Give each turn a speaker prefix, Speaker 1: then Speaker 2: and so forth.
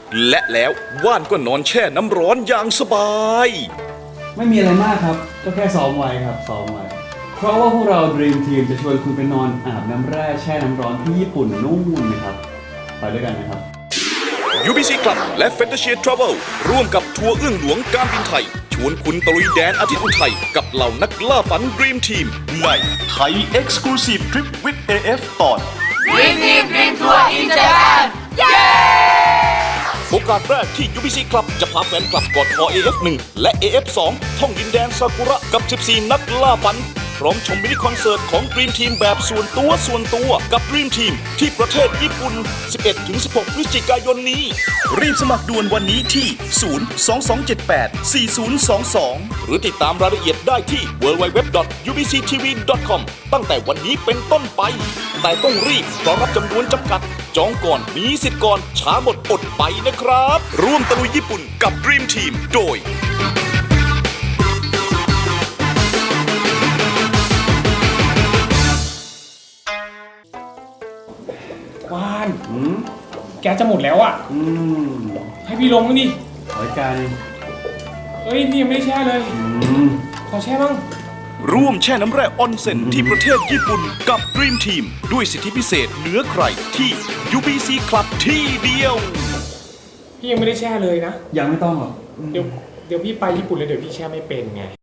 Speaker 1: และแล้วว่านก็นอนแช่น้ำร้อนอย่างสบาย
Speaker 2: ไม่มีอะไรมากครับ ก็แค่ซ้อมไว้ครับซ้อมไว้เพราะว่าพวกเรา Dream Team จะชวนคุณไปนอนอาบน้ำแร่แช่น้ำร้อนที่ญี่ปุ่นนู่นนะครับไปด้วยกันนะครับ
Speaker 1: UBC Club และ Fantasia Travel ร่วมกับทัวร์เอื้องหลวงการบินไทย ชวนคุณตะลุยแดนอาทิตย์อุทัยกับเหล่านักล่าฝัน Dream Team ในไทย Exclusive Trip with AF ตอน
Speaker 3: Dream Team Dream Tour in Japan เย้
Speaker 1: โอกาสแรกที่ UBC Club จะพาแฟนคลับกอดคอ AF1 และ AF2 ท่องดินแดนซากุระกับ 14 นักล่าฝัน พร้อมชมมินิคอนเสิร์ตของ Dream Team แบบส่วนตัวกับ Dream Team ที่ประเทศญี่ปุ่น 11-16 พฤศจิกายนนี้ รีบสมัครด่วนวันนี้ที่ 022784022 หรือติดตามรายละเอียดได้ที่ www.ubctv.com ตั้งแต่วันนี้เป็นต้นไป แต่ต้องรีบเพราะรับจำนวนจำกัด จองก่อนมีสิทธิ์ก่อนช้าหมดอดไปนะครับ ร่วมตะลุยญี่ปุ่นกับ Dream Team โดย
Speaker 4: ว่านแกจะหมดแล้วอ่ะ ให้พี่ลงมั้างดิ
Speaker 2: ขอใจ
Speaker 4: เอ้ย นี่ยังไม่ได้แช่เลย ขอแช่บ้าง
Speaker 1: ร่วมแช่น้ำแร่ออนเซ็นที่ประเทศญี่ปุ่นกับ Dream Team ด้วยสิทธิพิเศษเหนือใครที่ UBC Club ที่เดียว
Speaker 4: พี่ยังไม่ได้แช่เลยนะ
Speaker 2: ยังไม่ต้องหรอก
Speaker 4: เดี๋ยวพี่ไปญี่ปุ่นเลยเดี๋ยวพี่แช่ไม่เป็นไง